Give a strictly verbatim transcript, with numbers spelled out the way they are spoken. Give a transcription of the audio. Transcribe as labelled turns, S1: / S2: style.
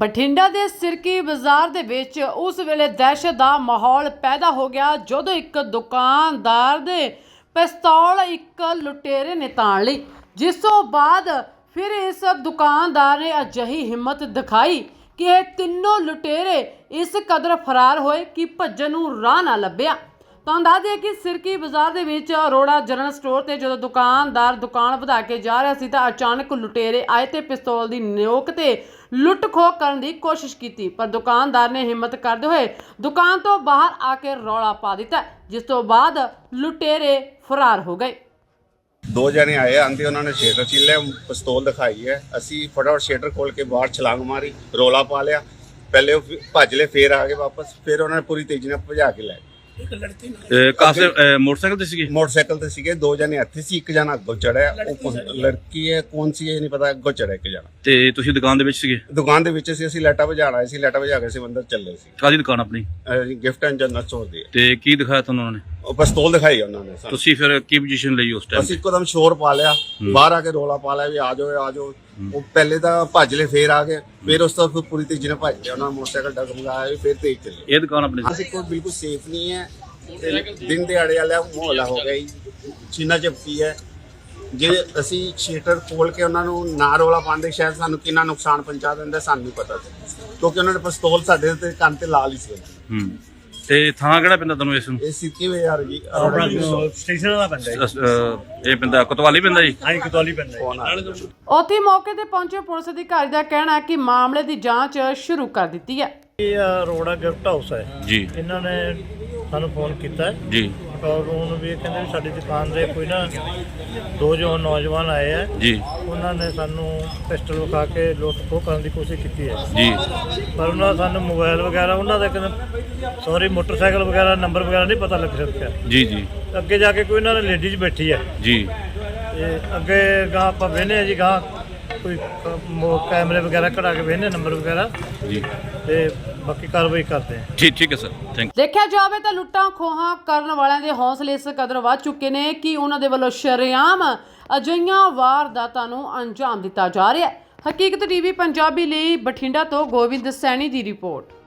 S1: ਬਠਿੰਡਾ ਦੇ ਸਿਰਕੀ ਬਾਜ਼ਾਰ ਦੇ ਵਿੱਚ ਉਸ ਵੇਲੇ ਦਹਿਸ਼ਤ ਦਾ ਮਾਹੌਲ ਪੈਦਾ ਹੋ ਗਿਆ ਜਦੋਂ ਇੱਕ ਦੁਕਾਨਦਾਰ ਦੇ ਪਿਸਤੌਲ ਇੱਕ ਲੁਟੇਰੇ ਨੇ ਤਾਣ ਲਈ, ਜਿਸ ਤੋਂ ਬਾਅਦ ਫਿਰ ਇਸ ਦੁਕਾਨਦਾਰ ਨੇ ਅਜਿਹੀ ਹਿੰਮਤ ਦਿਖਾਈ ਕਿ ਇਹ ਤਿੰਨੋਂ ਲੁਟੇਰੇ ਇਸ ਕਦਰ ਫਰਾਰ ਹੋਏ ਕਿ ਭੱਜਣ ਨੂੰ ਰਾਹ ਨਾ ਲੱਭਿਆ। ਤਾਂ ਦੱਸ ਦਈਏ ਕਿ ਸਿਰਕੀ ਬਾਜ਼ਾਰ ਦੇ ਵਿੱਚ ਅਰੋੜਾ ਜਨਰਲ ਸਟੋਰ ਤੇ ਜਦੋਂ ਦੁਕਾਨਦਾਰ ਦੁਕਾਨ ਵਧਾ ਕੇ ਜਾ ਰਿਹਾ ਸੀ ਤਾਂ ਅਚਾਨਕ ਲੁਟੇਰੇ ਆਏ ਤੇ ਪਿਸਤੌਲ ਦੀ ਨੋਕ ਤੇ ਲੁੱਟ ਖੋਹ ਕਰਨ ਦੀ ਕੋਸ਼ਿਸ਼ ਕੀਤੀ, ਪਰ ਦੁਕਾਨਦਾਰ ਨੇ ਹਿੰਮਤ ਕਰਦੇ ਹੋਏ ਦੁਕਾਨ ਤੋਂ ਬਾਹਰ ਆ ਕੇ ਰੌਲਾ ਪਾ ਦਿੱਤਾ, ਜਿਸ ਤੋਂ ਬਾਅਦ ਲੁਟੇਰੇ ਫਰਾਰ ਹੋ ਗਏ।
S2: दो जने आए आंदे उन्होंने शेटर चिल्ले पिस्तौल दिखाई है, असी फटाफट शेटर खोल के बाहर छलांग मारी, रौला पा लिया। पहले वो भज ले, फिर आ गए वापस, फिर उन्होंने पूरी तेजी ने भजा के लै
S3: मोटरसाइकिल ते सीगे
S2: मोटरसाइकिल ते सीगे दो जने हत्थे सी, एक जना अगों चढ़िया, लड़की है कौन सी है नहीं पता, अगों चढ़िया एक जना।
S3: ते तुसी दुकान दे विच सीगे?
S2: दुकान दे विच सी, ਅਸੀਂ ਲਾਈਟਾਂ ਵਜਾਣ ਆਏ ਸੀ, ਲਾਈਟਾਂ ਵਜਾ ਕੇ ਅਸੀਂ ਅੰਦਰ ਚੱਲੇ ਸੀ।
S3: ਕਾਹਦੀ ਦੁਕਾਨ ਆਪਣੀ?
S2: ਗਿਫਟ ਐਂਡ ਜਨਰਲ ਸਟੋਰ ਦੀ।
S3: ਤੇ ਕੀ ਦਿਖਾਇਆ ਤੁਹਾਨੂੰ ਉਹਨਾਂ ਨੇ?
S2: ਉਹ ਪਿਸਤੌਲ ਦਿਖਾਈ ਉਹਨਾਂ ਨੇ।
S3: ਤੁਸੀਂ ਫਿਰ ਕੀ ਪੋਜੀਸ਼ਨ ਲਈ ਉਸ ਟਾਈਮ?
S2: ਅਸੀਂ ਇੱਕਦਮ ਸ਼ੋਰ ਪਾ ਲਿਆ, ਬਾਹਰ ਆ ਕੇ ਰੋਲਾ ਪਾ ਲਿਆ ਵੀ ਆ ਜਾਓ ਆ ਜਾਓ। ਉਹ ਪਹਿਲੇ ਤਾਂ ਭੱਜ ਲਏ, ਫੇਰ ਆ ਗਏ, ਫਿਰ ਉਸ ਤੋਂ ਬਾਅਦ ਪੂਰੀ ਤੇਜ਼ੀ ਨਾਲ ਭੱਜ ਗਏ, ਉਹਨਾਂ ਨੇ ਮੋਟਰਸਾਈਕਲ ਡਗਮਗਾਇਆ ਵੀ ਫਿਰ ਤੇਜ਼ ਚੱਲੇ।
S3: ਇਹ ਦੁਕਾਨ ਆਪਣੀ
S2: ਅਸੀਂ ਕੋਈ ਬਿਲਕੁਲ ਸੇਫ ਨਹੀਂ ਹੈ, ਦਿਨ ਦਿਹਾੜੇ ਵਾਲਾ ਮਾਹੌਲ ਹੋ ਗਿਆ ਜੀ, ਛੀਨਾ ਝਪਟੀ ਹੈ। ਜੇ ਅਸੀਂ ਸ਼ੀਟਰ ਖੋਲ ਕੇ ਉਹਨਾਂ ਨੂੰ ਨਾ ਰੋਲਾ ਪਾਉਂਦੇ ਸ਼ਾਇਦ ਸਾਨੂੰ ਕਿੰਨਾ ਨੁਕਸਾਨ ਪਹੁੰਚਾ ਦਿੰਦਾ ਸਾਨੂੰ ਨਹੀਂ ਪਤਾ ਸੀ, ਕਿਉਂਕਿ ਉਹਨਾਂ ਨੇ ਪਿਸਤੌਲ ਸਾਡੇ ਤੇ ਕੰਨ ਤੇ ਲਾ ਲਈ ਸੀ।
S3: ਹੂੰ ਤੇ ਥਾਂ ਕਿਹੜਾ ਪੈਂਦਾ ਤੁਹਾਨੂੰ ਇਸ ਨੂੰ?
S2: ਇਹ ਸਿੱਕੀ ਵੇ ਯਾਰ ਜੀ,
S4: ਸਟੇਸ਼ਨ ਦਾ ਪੈਂਦਾ ਜੀ।
S3: ਅਹ, ਇਹ ਪੈਂਦਾ ਕੋਤਵਾਲੀ ਪੈਂਦਾ ਜੀ?
S4: ਹਾਂ ਕੋਤਵਾਲੀ ਪੈਂਦਾ ਜੀ।
S1: ਉੱਥੇ ਮੌਕੇ ਤੇ ਪਹੁੰਚੇ ਪੁਲਿਸ ਅਧਿਕਾਰੀ ਦਾ ਕਹਿਣਾ ਹੈ ਕਿ ਮਾਮਲੇ ਦੀ ਜਾਂਚ ਸ਼ੁਰੂ ਕਰ ਦਿੱਤੀ ਹੈ।
S4: ਇਹ ਅਰੋੜਾ ਗਿਫਟ ਹਾਊਸ ਹੈ
S3: ਜੀ,
S4: ਇਹਨਾਂ ਨੇ ਸਾਨੂੰ ਫੋਨ ਕੀਤਾ ਹੈ
S3: ਜੀ
S4: ਪੈਟਰੋਲ ਰੂਮ ਵੀ ਕਹਿੰਦੇ ਵੀ ਸਾਡੀ ਦੁਕਾਨ ਦੇ ਕੋਈ ਨਾ ਦੋ ਜੋ ਨੌਜਵਾਨ ਆਏ ਆ
S3: ਜੀ,
S4: ਉਹਨਾਂ ਨੇ ਸਾਨੂੰ ਪਿਸਟਲ ਵਿਖਾ ਕੇ ਲੁੱਟ ਖੋਹ ਕਰਨ ਦੀ ਕੋਸ਼ਿਸ਼ ਕੀਤੀ ਹੈ
S3: ਜੀ,
S4: ਪਰ ਉਹਨਾਂ ਦਾ ਸਾਨੂੰ ਮੋਬਾਈਲ ਵਗੈਰਾ ਉਹਨਾਂ ਦਾ ਕਹਿੰਦੇ ਸੌਰੀ ਮੋਟਰਸਾਈਕਲ ਵਗੈਰਾ ਨੰਬਰ ਵਗੈਰਾ ਨਹੀਂ ਪਤਾ ਲੱਗ ਸਕਿਆ।
S3: ਜੀ ਜੀ
S4: ਅੱਗੇ ਜਾ ਕੇ ਕੋਈ ਇਹਨਾਂ ਨੇ ਲੇਡੀਜ਼ ਬੈਠੀ ਹੈ
S3: ਜੀ,
S4: ਤੇ ਅੱਗੇ ਗਾਂ ਆਪਾਂ ਵੇਖਦੇ ਹਾਂ ਜੀ, ਗਾਂ ਕੋਈ ਕੈਮਰੇ ਵਗੈਰਾ ਕਢਾ ਕੇ ਵੇਖਦੇ ਨੰਬਰ ਵਗੈਰਾ
S3: ਜੀ,
S4: ਤੇ ਬਾਕੀ ਕਾਰਵਾਈ ਕਰਦੇ ਹਾਂ।
S3: ਠੀਕ ਠੀਕ ਹੈ ਸਰ, ਥੈਂਕ ਯੂ।
S1: ਦੇਖਿਆ ਜਾਵੇ ਤਾਂ ਲੁੱਟਾਂ ਖੋਹਾਂ ਕਰਨ ਵਾਲਿਆਂ ਦੇ ਹੌਸਲੇ ਇਸ ਕਦਰ ਵੱਧ ਚੁੱਕੇ ਨੇ ਕਿ ਉਹਨਾਂ ਦੇ ਵੱਲੋਂ ਸ਼ਰੇਆਮ ਅਜਿਹੀਆਂ ਵਾਰਦਾਤਾਂ ਨੂੰ ਅੰਜਾਮ ਦਿੱਤਾ ਜਾ ਰਿਹਾ ਹੈ। ਹਕੀਕਤ ਟੀਵੀ ਪੰਜਾਬੀ ਲਈ ਬਠਿੰਡਾ ਤੋਂ ਗੋਬਿੰਦ ਸੈਣੀ ਦੀ ਰਿਪੋਰਟ।